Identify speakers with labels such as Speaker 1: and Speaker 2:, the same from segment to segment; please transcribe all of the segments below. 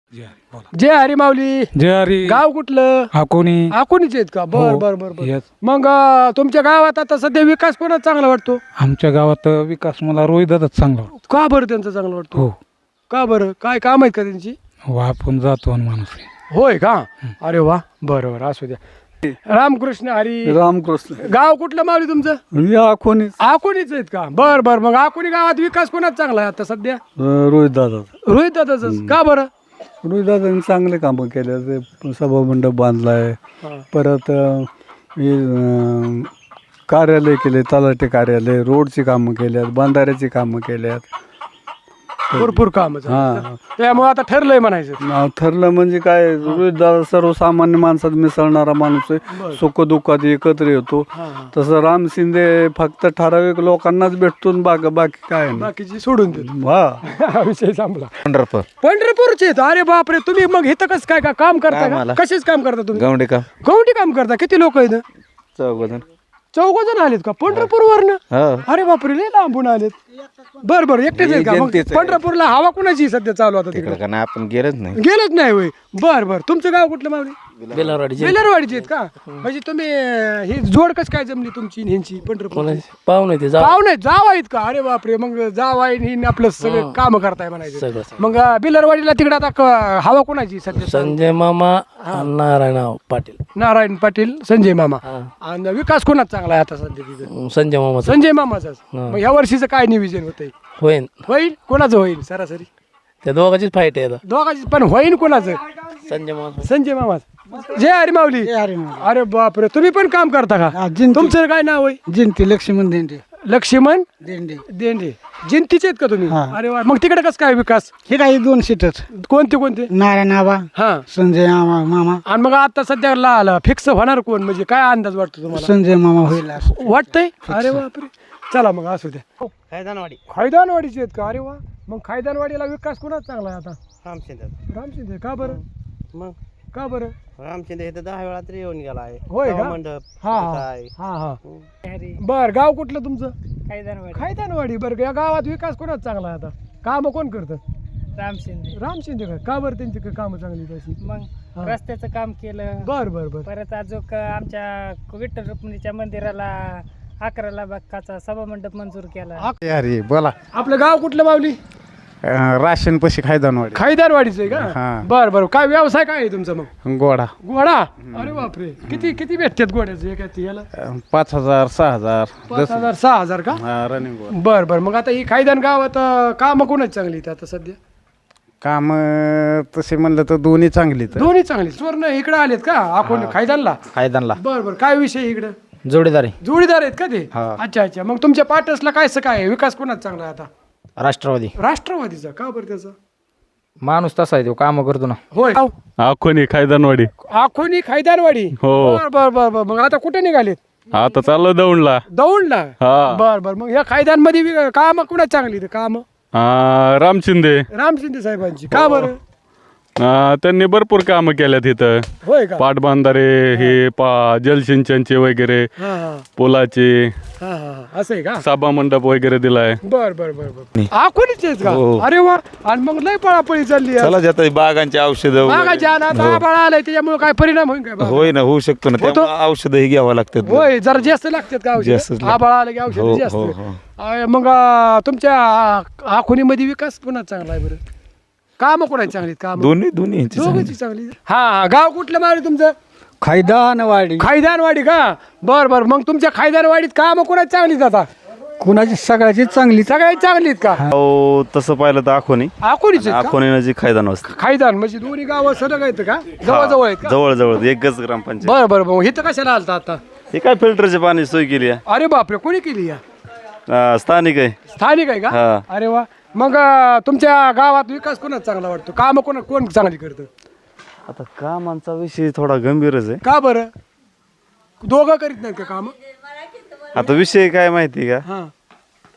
Speaker 1: जय हरी माऊली.
Speaker 2: जय हरी.
Speaker 1: गाव कुठलं?
Speaker 2: अकोणी.
Speaker 1: अकोणीच आहेत का? बर
Speaker 2: हो.
Speaker 1: बर बर बर.
Speaker 2: Yes.
Speaker 1: मग तुमच्या गावात आता सध्या विकास कोणाचा चांगला वाटतो?
Speaker 2: आमच्या गावात विकास मला रोहिदाच चांगला वाटतो.
Speaker 1: का बरं त्यांचा चांगला वाटतो?
Speaker 2: हो.
Speaker 1: का बरं? काय काम आहेत का त्यांची?
Speaker 2: हो, आपण जातो आणि माणूस आहे.
Speaker 1: होय का? अरे वा, बरं बरं, असू द्या. रामकृष्ण हरी.
Speaker 3: रामकृष्ण.
Speaker 1: गाव कुठलं माऊली तुमचं?
Speaker 3: अकोणीच.
Speaker 1: अकोणीच आहेत का? बर बर. मग अकोणी गावात विकास कोणाचा चांगला आहे आता सध्या?
Speaker 3: रोहित दादा.
Speaker 1: रोहित दादाच. का बरं?
Speaker 3: रोहित दादांनी चांगले कामं केले. ते सभामंडप बांधलाय. परत हे, कार्यालय केले, तलाठी कार्यालय, रोडची कामं केल्यात, बांधाऱ्याची कामं केल्यात.
Speaker 1: भरपूर काम.
Speaker 3: हा.
Speaker 1: त्यामुळे आता ठरलंय म्हणायचं.
Speaker 3: नाव ठरलं म्हणजे काय, रोहित दादा सर्वसामान्य माणसात मिसळणारा माणूस आहे. सुख दुःखात एकत्र येतो. तसं राम शिंदे फक्त ठराविक लोकांनाच भेटतो. बाकी काय नाही.
Speaker 1: बाकीची सोडून देतो.
Speaker 3: हा.
Speaker 1: विषय संपला.
Speaker 4: पंढरपूर.
Speaker 1: पंढरपूरचे आहेत. अरे बापरे, तुम्ही मग इथं कसं काय का काम करता का? कशाच काम करता तुम्ही?
Speaker 4: गवंडी काम.
Speaker 1: गवंडी काम करता. किती लोक आहेत?
Speaker 4: 14
Speaker 1: चौघ जण आलेत का पंढरपूर वरनं? अरे बापरे, लय लांबून आलेत. बर बर, एकटेच आहेत का? मग पंढरपूरला हवा कुणाची सध्या चालू आता तिकडे?
Speaker 4: तिकडे का आपण गेलच नाही.
Speaker 1: गेलच नाही होय. बर बर. तुमचं गाव कुठलं मावली?
Speaker 5: बेलारवाडी.
Speaker 1: बेलारवाडीचे आहेत का? म्हणजे तुम्ही ही जोड कस काय जमली तुमची आणि ह्यांची? पंढरपूर
Speaker 5: पाहुणे ते
Speaker 1: पाहुणे जाव आहेत का? अरे बापरे, मग जाव आहे ही आपलं सगळं काम करताय म्हणायचं. मग बेलारवाडीला तिकडे आता हवा कोणाची सध्या?
Speaker 5: संजय मामा नारायण पाटील.
Speaker 1: नारायण पाटील, संजय मामा. आणि विकास कोणाचा चांगला आहे आता सध्या तिथं?
Speaker 5: संजय मामा
Speaker 1: संजय मामाचाच. मग ह्या वर्षीचं काय नियोजन होतंय?
Speaker 5: होईन.
Speaker 1: होईल कोणाचं? होईल सरासरी
Speaker 5: त्या दोघांचीच फाईट आहे आता.
Speaker 1: दोघांची पण होईल कोणाचं?
Speaker 5: संजय मामा.
Speaker 1: संजय मामाच. जय हरी माऊली. अरे बापरे, तुम्ही पण काम करता का? तुमचं काय नाव आहे?
Speaker 3: जिंती लक्ष्मण देंडे.
Speaker 1: लक्ष्मण
Speaker 3: देंडे.
Speaker 1: देंडे. जिंतीचे आहेत का तुम्ही? अरे वा. मग तिकडे कसं काय विकास?
Speaker 3: हे काही 2 सीटच.
Speaker 1: कोणते कोणते?
Speaker 3: नारायण आबा,
Speaker 1: हा.
Speaker 3: संजय मामा.
Speaker 1: आणि मग आता सध्या फिक्स होणार कोण? म्हणजे काय अंदाज वाटतो तुम्हाला?
Speaker 3: संजय मामा होईल.
Speaker 1: वाटतंय? अरे बापरे. चला मग असू द्या.
Speaker 5: खायदानवाडी.
Speaker 1: खायदानवाडीचे आहेत का? अरे वा. मग खायदानवाडीला विकास कोणाचा चांगला आहे आता?
Speaker 5: रामशिंदे.
Speaker 1: रामशिंदे. का बरं?
Speaker 5: मग
Speaker 1: का बरं?
Speaker 5: रामशिंदे इथं 10 वेळा तरी येऊन गेला आहे.
Speaker 1: होय का?
Speaker 5: मंडप.
Speaker 1: हा हा हा. बर, गाव कुठलं तुमचं?
Speaker 5: खायदानवाडी.
Speaker 1: खायदानवाडी. बरं, या गावात विकास कोणाचा चांगला आहे आता? काम कोण करतं?
Speaker 5: रामशिंदे.
Speaker 1: रामशिंदे का बरं? त्यांची कामं चांगली तशी?
Speaker 5: मग रस्त्याचं काम केलं.
Speaker 1: बर बर बर.
Speaker 5: परत अजून आमच्या विठ्ठल रुक्मिणीच्या मंदिराला 11 लाखाचा सभामंडप मंजूर केला.
Speaker 4: अरे बोला.
Speaker 1: आपलं गाव कुठलं माऊली?
Speaker 4: राशन पशी खायदानवाडी.
Speaker 1: खायदानवाडीचं आहे का?
Speaker 4: हा.
Speaker 1: बर बर. काय व्यवसाय काय आहे तुमचा मग?
Speaker 4: गोडा.
Speaker 1: घोडा. अरे बापरे, किती किती भेटतात घोड्याचे एका याला?
Speaker 4: 5000 6000.
Speaker 1: 5,000 6,000 का?
Speaker 4: रनिंग
Speaker 1: बर बर. मग आता ही खायदान गावात काम कोणाची चांगली आहेत आता सध्या?
Speaker 4: काम तसे म्हणलं तर दोन्ही चांगलीच.
Speaker 1: दोन्ही चांगली. स्वर्ण इकडे आलेत का? आपण खायदानला?
Speaker 4: खायदानला
Speaker 1: बर बर. काय विषय इकडे?
Speaker 4: जोडीदारी.
Speaker 1: जोडीदार आहेत का ते?
Speaker 4: हा.
Speaker 1: अच्छा अच्छा. मग तुमच्या पाटसला काय आहे? विकास कोणाचा चांगला आहे आता?
Speaker 4: राष्ट्रवादी.
Speaker 1: राष्ट्रवादीचा. का बरं त्याचा?
Speaker 4: माणूस तसा आहे तो, काम करतो ना.
Speaker 1: होय.
Speaker 6: अकोणी खायदानवाडी.
Speaker 1: आखोनी खायदानवाडी.
Speaker 6: हो.
Speaker 1: बर बर बर बर. मग आता कुठे निघालेत?
Speaker 6: आता चाललो दौंडला.
Speaker 1: दौंडला.
Speaker 6: हा.
Speaker 1: बर बर. मग या खायदान मध्ये काम कुणाची चांगली? काम
Speaker 6: राम शिंदे.
Speaker 1: राम शिंदे साहेबांची. का बरं?
Speaker 6: त्यांनी भरपूर कामं केल्यात इथं.
Speaker 1: होय का?
Speaker 6: पाटबंधारे हे जलसिंचनचे वगैरे,
Speaker 1: हा हा
Speaker 6: पुलाचे,
Speaker 1: हा हा. असं आहे का?
Speaker 6: सभा मंडप वगैरे दिलाय.
Speaker 1: बर बर बर बर. आखोनीच आहेत का? अरे वा. आणि मग लय पळापळी चालली आहे.
Speaker 7: चला जात बागांची औषधं
Speaker 1: मागाच्या आबाळ आलाय त्याच्यामुळे काय परिणाम होईल काय?
Speaker 7: होय ना, होऊ शकतो ना. त्यामुळे औषधही घ्यावं लागतात.
Speaker 1: होय, जरा जास्त लागतात का औषध?
Speaker 7: जास्तच लागतात.
Speaker 1: आबाळ आलं की औषध जास्त. मग तुमच्या आखोनीमध्ये विकास पुन्हा चांगला आहे बरं? काम कोणाची चांगली? काम
Speaker 7: दोन्ही
Speaker 1: दोघांची चांगली. हा. गाव कुठलं मावली तुमचं?
Speaker 3: खायदानवाडी.
Speaker 1: खायदानवाडी का? बर बर. मग तुमच्या खायदानवाडीत काम कोणाची चांगलीत आता?
Speaker 3: कुणाची? सगळ्याची चांगली.
Speaker 1: सगळ्यात चांगलीत का?
Speaker 7: हो, तसं पाहिलं तर आखोनी.
Speaker 1: आखोनीच आहेत का?
Speaker 7: आखोनी नजीक खायदान वस्ती.
Speaker 1: खायदान म्हणजे दोन्ही गाव सलग आहेत का? जवळ आहेत का?
Speaker 7: जवळ जवळ एकच ग्रामपंचायत.
Speaker 1: बर बर. मग इथं कशाला आलता आता?
Speaker 7: हे काय फिल्टरचे पाणी सोय केली आहे.
Speaker 1: अरे बापरे, कोणी केली या?
Speaker 7: स्थानिक आहे.
Speaker 1: स्थानिक आहे का?
Speaker 7: हा.
Speaker 1: अरे वा. मग तुमच्या गावात विकास कोणाचा चांगला वाटतो? काम कोण चांगली करतं?
Speaker 7: आता कामांचा विषय थोडा गंभीरच आहे.
Speaker 1: का बरं? दोघं करीत नाहीत का काम?
Speaker 7: आता विषय काय माहिती का?
Speaker 1: हा.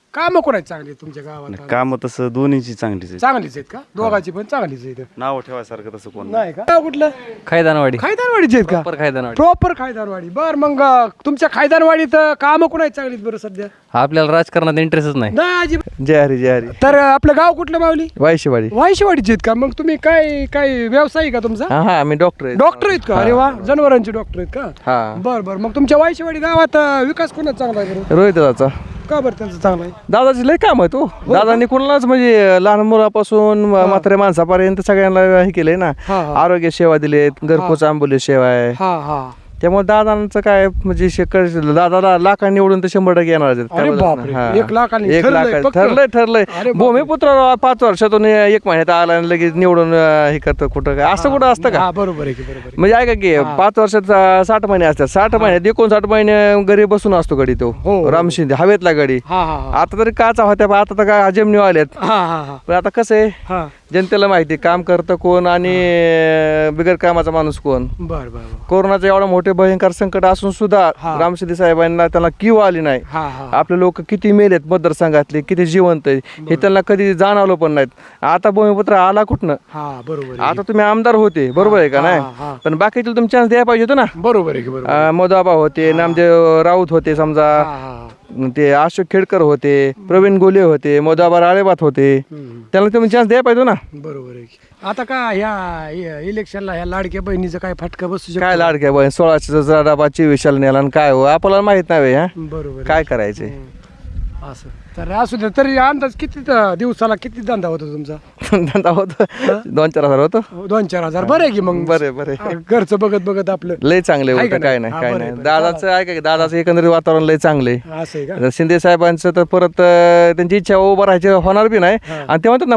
Speaker 1: कामं कोणाची चांगली आहेत तुमच्या गावात?
Speaker 7: काम तसं दोन्हीची चांगलीच आहे.
Speaker 1: चांगलीच आहेत का? दोघांची पण चांगलीच आहेत.
Speaker 7: नाव ठेवायसारखं तसं कोण
Speaker 1: नाही का? गाव कुठलं?
Speaker 8: खायदानवाडी
Speaker 1: खायदानवाडीचे आहेत का?
Speaker 8: खायदानवाडी
Speaker 1: प्रॉपर खायदानवाडी. बर मग तुमच्या खायदानवाडीत कामं कोणाची चांगली आहेत बरं सध्या?
Speaker 8: आपल्याला राजकारणात इंटरेस्टच नाही.
Speaker 1: नाही अजिबात.
Speaker 7: जय हरी जय हरी.
Speaker 1: तर आपलं गाव कुठलं माऊली?
Speaker 7: वायशेवाडी.
Speaker 1: वायशेवाडीचे आहेत का? मग तुम्ही काय काय व्यवसाय आहे का तुमचा?
Speaker 7: हा आम्ही डॉक्टर आहे.
Speaker 1: डॉक्टर आहेत का? अरे वा, जनावरांचे डॉक्टर आहेत का?
Speaker 7: हा.
Speaker 1: बर बर. मग तुमच्या वायशेवाडी गावात विकास कोणाचा चांगला आहे बरं?
Speaker 7: रोहित दादाचा.
Speaker 1: का बरं त्यांचं चांगलं आहे?
Speaker 7: दादाची लय काम आहे तो. दादांनी कोणालाच म्हणजे लहान मुलापासून म्हाताऱ्या माणसापर्यंत सगळ्यांना हे केलंय ना.
Speaker 1: हा हा
Speaker 7: आरोग्य सेवा दिलेत, घरपोच आंबोली सेवा आहे.
Speaker 1: हा हा.
Speaker 7: त्यामुळे दादांचं काय म्हणजे दादाला लाखांनी निवडून तर 100% येणार आहेत.
Speaker 1: अरे
Speaker 7: काय
Speaker 1: बापरे,
Speaker 7: बोलत नाही.
Speaker 1: 1 लाखांनी
Speaker 7: एक
Speaker 1: ठरलंय,
Speaker 7: लाख
Speaker 1: पक्क?
Speaker 7: ठरलंय.
Speaker 1: अरे बापरे.
Speaker 7: भूमिपुत्र 5 वर्षातून 1 महिन्यात आला आणि लगेच निवडून हे करतं कुठं काय असं कुठं असतं का?
Speaker 1: हा बरोबर आहे की, बरोबर आहे.
Speaker 7: म्हणजे ऐका की 5 वर्षात 60 महिने असतात. 60 महिन्यात 59 महिने घरी बसून असतो गडी तो.
Speaker 1: हो.
Speaker 7: राम शिंदे हवेतला गडी.
Speaker 1: हा हा हा.
Speaker 7: आता तरी काचा होत्या पण आता तर काय जमिनी आल्यात.
Speaker 1: हा हा हा
Speaker 7: पण आता कसं आहे
Speaker 1: हा.
Speaker 7: जनतेला माहिती काम करतं कोण आणि बिगर कामाचा माणूस कोण.
Speaker 1: बर बर बर.
Speaker 7: कोरोनाचं एवढं मोठे भयंकर संकट असून सुद्धा
Speaker 1: हा.
Speaker 7: राम शिंदे साहेबांना त्यांना किंवा आली नाही.
Speaker 1: हा हा.
Speaker 7: आपले लोक किती मेलेत मतदारसंघातले, किती जिवंत आहे हे त्यांना कधी जाणवलं पण नाहीत. आता भूमिपुत्र आला कुठनं?
Speaker 1: हा बरोबर आहे.
Speaker 7: आता तुम्ही आमदार होते बरोबर आहे का
Speaker 1: हा,
Speaker 7: नाही?
Speaker 1: हा.
Speaker 7: पण बाकीचे तुम्ही चान्स द्यायला पाहिजे होतं ना.
Speaker 1: बरोबर आहे की, बरोबर आहे.
Speaker 7: मोदाबा होते, नामदेव राऊत होते समजा,
Speaker 1: हा हा.
Speaker 7: ते अशोक खेडकर होते, प्रवीण गोले होते, मोदाबा राळेबात होते.
Speaker 1: हम्म.
Speaker 7: त्यांना तुम्ही चान्स द्यायला पाहिजे ना.
Speaker 1: बरोबर आहे की. आता का ह्या इलेक्शनला ह्या लाडक्या बहिणीचं काय फटका बसू शकतो?
Speaker 7: काय लाडक्या बहीण 16 डबा 24 नेला आणि काय हो आपल्याला माहित नाही हा
Speaker 1: बरोबर आहे.
Speaker 7: काय करायचे.
Speaker 1: हम्म. असं तर असू दे. तरी अंदाज किती दिवसाला किती धंदा होतो तुमचा?
Speaker 7: धंदा होतो 2-4 हजार होतो.
Speaker 1: 2-4 हजार. बरं आहे की मग.
Speaker 7: बरे
Speaker 1: घरचं बघत बघत आपलं.
Speaker 7: लय चांगले
Speaker 1: आहे
Speaker 7: होतं.
Speaker 1: का
Speaker 7: काय
Speaker 1: नाही?
Speaker 7: नाही
Speaker 1: हा,
Speaker 7: काय
Speaker 1: बरं,
Speaker 7: नाही.
Speaker 1: बरं.
Speaker 7: दादाचं ऐका की दादाचं एकंदरीत वातावरण लय चांगले.
Speaker 1: असं आहे का?
Speaker 7: शिंदे साहेबांचं तर परत त्यांची इच्छा उभं राहायची होणार बी नाही. आणि ते म्हणतात ना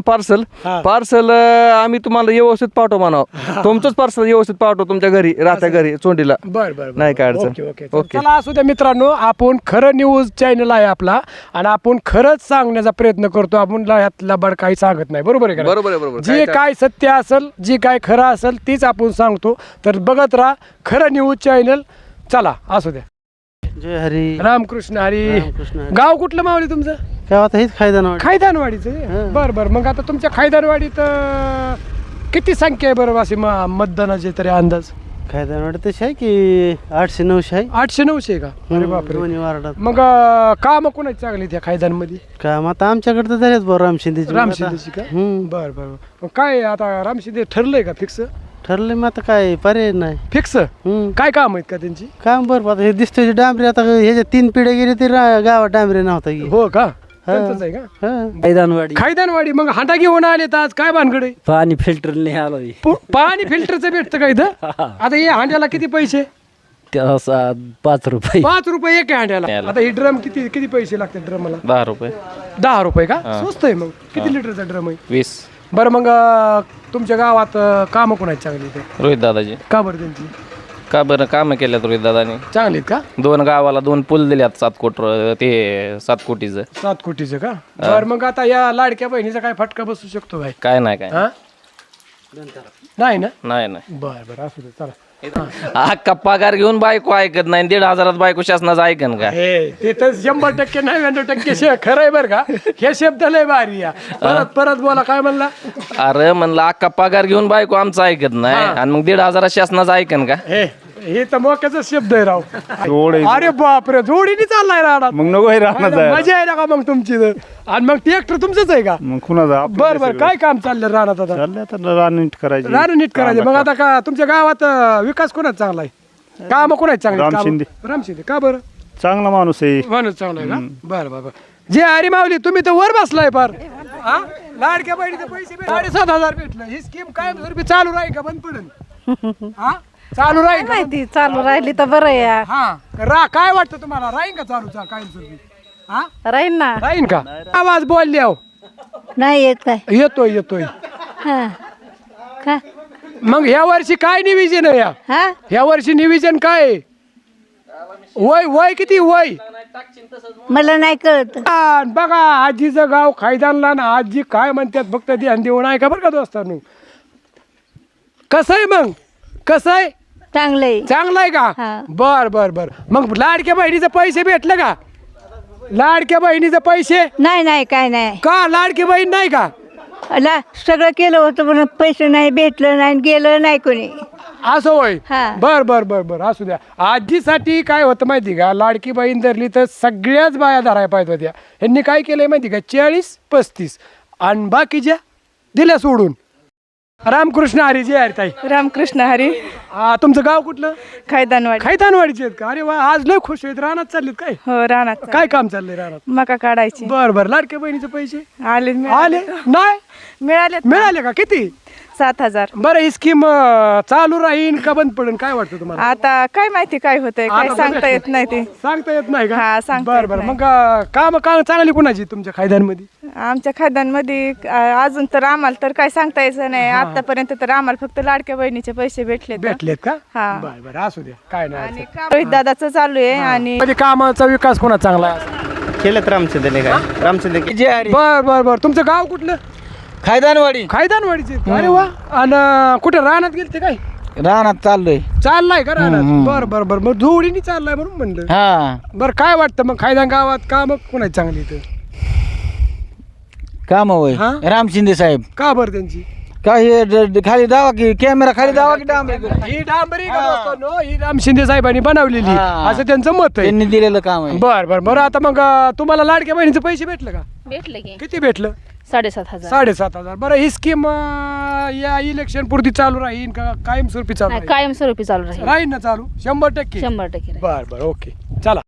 Speaker 7: पार्सल आम्ही तुम्हाला व्यवस्थित पाठवू म्हणावं. तुमचंच पार्सल व्यवस्थित पाठवू तुमच्या घरी राहत्या घरी चोंडीला.
Speaker 1: बर बर.
Speaker 7: नाही काय अडचण.
Speaker 1: Okay okay.
Speaker 7: ओके.
Speaker 1: चला असू द्या मित्रांनो, आपण खरं न्यूज चॅनल आहे आपला आणि आपण खरंच सांगण्याचा प्रयत्न करतो. आपण ह्यात लबाड काही सांगत नाही. बरोबर आहे का?
Speaker 7: बरोबर आहे बरोबर.
Speaker 1: जे काय सत्य असेल, जे काय खरं असेल तीच आपण सांगतो. तर बघत राहा खरं न्यूज चॅनल. चला असू द्या.
Speaker 9: जय हरी.
Speaker 1: रामकृष्ण हरी.
Speaker 9: रामकृष्ण हरी.
Speaker 1: गाव कुठलं मावली तुमचं?
Speaker 9: गावात हेच खायदानवाडी.
Speaker 1: खायदानवाडीचं. बर बर. मग आता तुमच्या खायदानवाडीत किती संख्या आहे बरं अशी मतदानाचे तरी अंदाज?
Speaker 9: खायदानवाडी तशी आहे की 800-900 आहे.
Speaker 1: 800-900 का? अरे बापरे.
Speaker 9: दोन्ही वार्डात.
Speaker 1: मग काम कोणाची चांगली त्या खायदानमध्ये?
Speaker 9: काम आता आमच्याकडे तर झालेच बरं राम शिंदेची.
Speaker 1: राम शिंदेची का? बर बर. मग काय आता राम शिंदे ठरलंय का फिक्स?
Speaker 9: ठरले मग आता काय पर्याय नाही.
Speaker 1: फिक्स काय काम आहेत का त्यांची?
Speaker 9: काम बरं आता हे दिसतोय डांबरी. आता ह्याच्या 3 पिढ्या गेली तरी गावात डांबरी नव्हता की.
Speaker 1: हो का? त्यांचंच आहे का?
Speaker 8: खायदानवाडी
Speaker 1: खायदानवाडी. मग हांडा घेऊन आले तर आज काय भानगड आहे?
Speaker 8: पाणी फिल्टर नाही आलो
Speaker 1: पाणी फिल्टरचं भेटतं का इथं? आता हे हांड्याला किती पैसे?
Speaker 8: 5 रुपये.
Speaker 1: 5 रुपये एक आहे हांड्याला. आता ही ड्रम किती किती पैसे लागतात ड्रमला?
Speaker 8: 10 रुपये.
Speaker 1: 10 रुपये का? स्वस्त आहे. मग किती लिटरचा ड्रम आहे?
Speaker 8: 20.
Speaker 1: बरं मग तुमच्या गावात कामं कोणाची चांगली ते?
Speaker 8: रोहित दादाजी.
Speaker 1: का बरं त्यांची
Speaker 8: का बरं कामं केल्यात रोहित दादानी?
Speaker 1: चांगली आहेत का?
Speaker 8: 2 गावाला 2 पूल दिल्यात 7 कोटीचं.
Speaker 1: 7 कोटीचं का? बरं मग आता या लाडक्या बहिणीचा काय फटका बसू शकतो भाई?
Speaker 8: काय नाही काय
Speaker 1: हा? नाही ना?
Speaker 8: नाही
Speaker 1: बरं बरं असू दे. चला.
Speaker 8: अख्खा पगार घेऊन बायको ऐकत नाही. 1,500 बायको शासनाचं ऐकन का?
Speaker 1: हे ते तर 100% 99% खरं आहे बरं का? हे शब्द लय भारी या. परत बोला. काय म्हणला?
Speaker 8: अरे म्हणलं अख्खा पगार घेऊन बायको आमचं ऐकत नाही आणि मग 1,500 शासनाचं ऐकन का?
Speaker 1: हे तर मोक्याचा शब्द आहे राव. अरे बापरे, जोडीने चाललाय राहणार.
Speaker 3: मग नको हे राहणार
Speaker 1: मजा आहे ना का मग तुमची तर? आणि मग ट्रॅक्टर तुमचंच आहे का?
Speaker 3: मग कुणाचा
Speaker 1: बर बर. काय काम चाललं राहणार आता?
Speaker 3: रान नीट करायची.
Speaker 1: रान नीट करायचं. मग आता का तुमच्या गावात विकास कोणाचा चांगला आहे? काम कोणाच चांगले?
Speaker 3: राम शिंदे.
Speaker 1: राम शिंदे. का बरं?
Speaker 3: चांगला माणूस आहे.
Speaker 1: माणूस चांगला आहे का? बरं बरं. जे हरी माऊली तुम्ही तर वर बसलाय फार. हा? लाडक्या बहिणीचे पैसे 7,500 भेटलं. ही स्कीम काय चालू राहील का बंद पडेल? हा? चालू राहील का?
Speaker 10: माहिती चालू राहिली तर बरं या.
Speaker 1: हा काय वाटतं तुम्हाला? राहीन का चालू कायमस्वरूपी? हा
Speaker 10: राहील ना.
Speaker 1: राहीन का? आवाज बोलले हो.
Speaker 10: नाही येत काय?
Speaker 1: येतोय.
Speaker 10: हा का?
Speaker 1: मग ह्या वर्षी काय निविजन आहे?
Speaker 10: हा
Speaker 1: ह्या वर्षी निविजन काय आहे? वय किती वय?
Speaker 10: मला नाही कळत.
Speaker 1: बघा आजीचं गाव खायदानला ना. आजी काय म्हणतात फक्त ध्यान देऊन आहे का बरं का दोस्तांनो? कसं आहे मग? कसं आहे?
Speaker 10: चांगलंय.
Speaker 1: चांगलं आहे का?
Speaker 10: हा.
Speaker 1: बर बर बर. मग लाडक्या बहिणीचे पैसे भेटले का? लाडक्या बहिणीचे पैसे
Speaker 10: नाही नाही काय नाही
Speaker 1: का लाडकी बहीण नाही का
Speaker 10: सगळं केलं होतं पण पैसे नाही भेटलं नाही गेलं नाही कोणी
Speaker 1: असं होय
Speaker 10: हा.
Speaker 1: बर बर बर बर असू द्या आजीसाठी काय होतं माहिती का लाडकी बहीण धरली तर सगळ्याच बाया धरायला पाहिजे होत्या ह्यांनी काय केलंय माहिती का 40-35 आणि बाकीच्या दिल्या सोडून. रामकृष्ण हरी जय हरी ताई.
Speaker 5: रामकृष्ण हरी
Speaker 1: तुमचं गाव कुठलं?
Speaker 5: खैदानवाडी
Speaker 1: खैतानवाडीचे आहेत का? अरे वा आज लय खुश आहेत. रानात चाललेत काय?
Speaker 5: हो रानात
Speaker 1: काय काम चाललंय रानात?
Speaker 5: मका काढायची
Speaker 1: बर बर लाडक्या बहिणीचे पैसे
Speaker 5: आले
Speaker 1: आले नाही
Speaker 5: मिळाले
Speaker 1: मिळाले का किती?
Speaker 5: 7,000.
Speaker 1: बरं ही स्कीम चालू राहीन का बंद पडेल काय वाटतं तुम्हाला?
Speaker 5: आता काय माहिती काय होतंय काय
Speaker 1: आता
Speaker 5: सांगता
Speaker 1: बघा.
Speaker 5: येत नाही ते
Speaker 1: सांगता येत नाही का?
Speaker 5: हा, सांगता
Speaker 1: बरं
Speaker 5: येत
Speaker 1: बरं
Speaker 5: नाही.
Speaker 1: मग काम चांगली कुणाची तुमच्या खायद्यांमध्ये?
Speaker 5: आमच्या खाद्यांमध्ये अजून तर आम्हाला तर काय सांगता यायचं नाही आतापर्यंत तर आम्हाला फक्त लाडक्या बहिणीचे पैसे भेटले
Speaker 1: भेटलेत का?
Speaker 5: हा.
Speaker 1: बरं बरं असू द्या काय नाही
Speaker 5: आणि रोहित दादाचं चालू आहे आणि
Speaker 1: म्हणजे कामाचा विकास कोणा चांगला आहे?
Speaker 4: केलं रामचंद्रने काय रामचंद्र
Speaker 1: बर बर बर तुमचं गाव कुठलं?
Speaker 4: खायदानवाडी
Speaker 1: खायदानवाडीचे अरे वा आणि कुठे रानात गेलते काय?
Speaker 4: रानात चाललोय
Speaker 1: चाललाय का रानात? बर बर बर मग जोडीने चाललाय म्हणून म्हणलं.
Speaker 4: हा
Speaker 1: बरं काय वाटतं मग खायदान गावात काम कोणाची चांगली इथं?
Speaker 4: काम होय
Speaker 1: हा?
Speaker 4: राम शिंदे साहेब
Speaker 1: का बरं त्यांची?
Speaker 4: काय खाली दावा की कॅमेरा खाली दावा की
Speaker 1: ही डांबरी का दोस्तांनो, ही राम शिंदे साहेबांनी बनवलेली
Speaker 4: हा.
Speaker 1: असं त्यांचं मत आहे.
Speaker 4: त्यांनी दिलेलं काम आहे
Speaker 1: बर बर बरं आता मग तुम्हाला लाडक्या बहिणीचं पैसे भेटलं का?
Speaker 10: भेटलं की
Speaker 1: किती भेटलं?
Speaker 10: 7,500.
Speaker 1: 7,500. बरं ही स्कीम या इलेक्शन पुरती चालू राहील का कायमस्वरूपी चालू राहील?
Speaker 10: कायमस्वरूपी चालू राहील
Speaker 1: राहील ना चालू 100%?
Speaker 10: 100%
Speaker 1: बर बर ओके